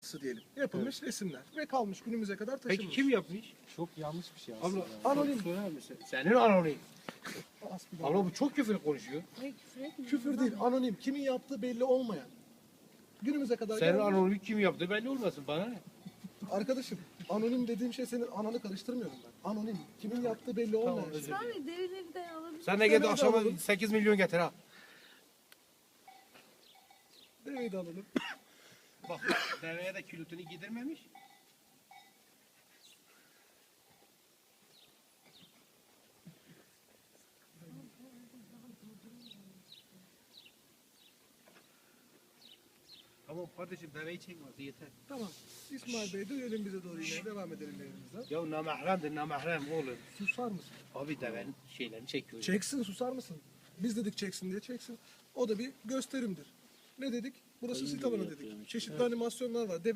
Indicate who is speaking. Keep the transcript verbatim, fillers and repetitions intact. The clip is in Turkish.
Speaker 1: kalıntısı diyelim. Yapılmış resimler ve kalmış günümüze kadar taşınmış.
Speaker 2: Peki kim yapmış?
Speaker 3: Çok yanlış bir şey
Speaker 2: Abla
Speaker 3: aslında.
Speaker 1: Anonim.
Speaker 2: sorar mısın? Senin anonim.
Speaker 1: Hasbinallah.
Speaker 2: Abla bu çok küfür konuşuyor.
Speaker 4: Ay, küfür etmiyorum.
Speaker 1: Küfür değil, anonim. Kimin yaptığı belli olmayan. Günümüze kadar
Speaker 2: Senin
Speaker 1: gelmiş.
Speaker 2: anonimi kim yaptı belli olmasın bana ne?
Speaker 1: Arkadaşım, anonim dediğim şey senin ananı karıştırmıyorum ben. Anonim. Kimin yaptığı belli olmayan.
Speaker 2: özür
Speaker 1: şey.
Speaker 4: İsmail Bey derileri de alabilir.
Speaker 2: Sen de gel
Speaker 1: Demeyi de
Speaker 2: akşama
Speaker 1: alalım.
Speaker 2: sekiz milyon getir ha.
Speaker 1: Deveyi de alalım.
Speaker 2: Bak deveye de külütünü giydirmemiş. Tamam kardeşim deveyi çekmez yeter.
Speaker 1: Tamam. İsmail Bey dönelim bize doğru yine. Devam edelim yayınımıza.
Speaker 2: Ya namahremdir namahrem oğlum.
Speaker 1: Susar mısın?
Speaker 2: Abi devenin şeylerini çekiyor.
Speaker 1: Çeksin, susar mısın? Biz dedik çeksin diye çeksin. O da bir gösterimdir. Ne dedik? Burası sit alanı dedik. Çeşitli animasyonlar var. Deve